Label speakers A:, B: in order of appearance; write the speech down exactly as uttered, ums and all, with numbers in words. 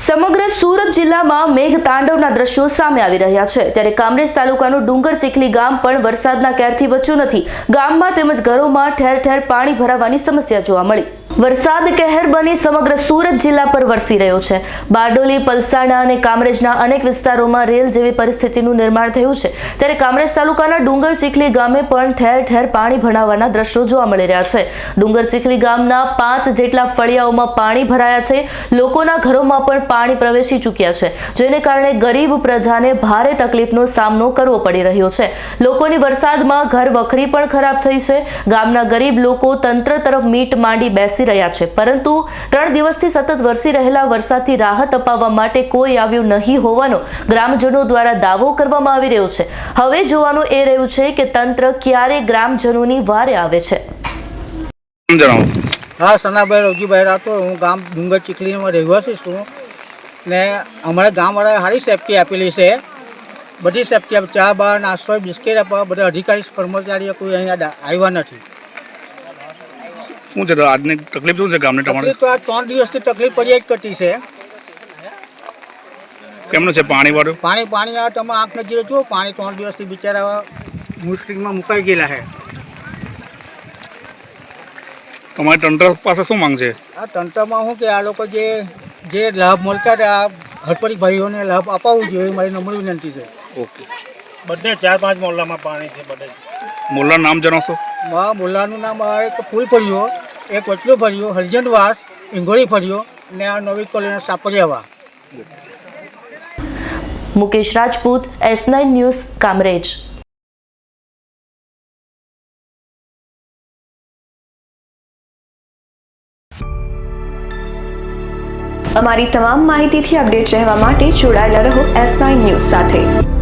A: સમગ્ર સુરત જિલ્લામાં મેઘતાંડવના દ્રશ્યો સામે આવી રહ્યા છે ત્યારે કામરેજ તાલુકાનું ડુંગર ચીખલી ગામ પણ વરસાદના કહેરથી બચ્યું નથી। ગામમાં તેમજ ઘરોમાં ઠેર ઠેર પાણી ભરાવાની સમસ્યા જોવા મળી। વરસાદ કહેર બની સમગ્ર સુરત જિલ્લા પર વરસી રહ્યો છે। બારડોલી, પલસાણા અને કામરેજના અનેક વિસ્તારોમાં રેલ જેવી પરિસ્થિતિનું નિર્માણ થયું છે ત્યારે કામરેજ તાલુકાના ડુંગર ચીખલી ગામે પણ ઠેર ઠેર પાણી ભરાવાના દ્રશ્યો જોવા મળી રહ્યા છે। ડુંગર ચીખલી ગામના પાંચ જેટલા ફળિયાઓમાં પાણી ભરાયા છે। લોકોના ઘરોમાં પણ પાણી પ્રવેશી ચૂક્યા છે જેને કારણે ગરીબ પ્રજાને ભારે તકલીફનો સામનો કરવો પડી રહ્યો છે। લોકોની વરસાદમાં ઘર વખરી પણ ખરાબ થઈ છે। ગામના ગરીબ લોકો તંત્ર તરફ મીટ માંડી બેસી રહ્યા છે પરંતુ ત્રણ દિવસથી સતત વરસી રહેલા વરસાદથી રાહત અપાવવા માટે કોઈ આવ્યું નહીં હોવાનો ગ્રામજનો દ્વારા દાવો કરવામાં આવી રહ્યો છે। હવે જોવાનું એ રહ્યું છે કે તંત્ર ક્યારે ગ્રામજનોની વારે આવે છે।
B: हाँ सनाभाई रवजीभाई राठोड हूँ गाम डूंगर चीखली में રહેવાસી છું ने અમારા ગામવાળાએ સારી સેફટી આપેલી છે। બધી સેફટી આપે, ચા બા નાસ્તો બિસ્કીટ આપવા બધા અધિકારી કર્મચારીઓ કોઈ અહીંયા આવ્યા નથી।
C: શું છે આજની તકલીફ શું છે ગામને તમારે?
B: તો આ ત્રણ દિવસથી તકલીફ પડી જ કરતી છે।
C: કેમનું છે પાણી વાળું?
B: પાણી પાણી આ તમે આંખ નજીક જુઓ, પાણી ત્રણ દિવસથી બિચારા મુશ્કેલીમાં મુકાઈ ગયેલા છે।
C: તમારે તંત્ર પાસે શું માંગ છે?
B: આ તંત્રમાં શું કે આ લોકો જે જે લાભ મળતા હતા હડપડી ભાઈઓને લાભ અપાવવું જોઈએ મારી નમ્ર વિનંતી છે।
C: ઓકે,
D: બધે ચાર પાંચ મોહલ્લામાં પાણી છે બધે।
C: મોલ્લાનું નામ જણાવશો?
B: મા મોલ્લાનું નામ આ એક ફૂલ ફર્યો, એક વચલો ફર્યો, હરજનવાસ, ઇંગોળી ફર્યો ને આ નવી કોલોની સાપરિયાવા।
A: Mukesh Rajput, S nine news, Kamrej.
E: અમારી તમામ માહિતીથી અપડેટ રહેવા માટે જોડાયેલા રહો એસ નાઇન ન્યૂઝ સાથે।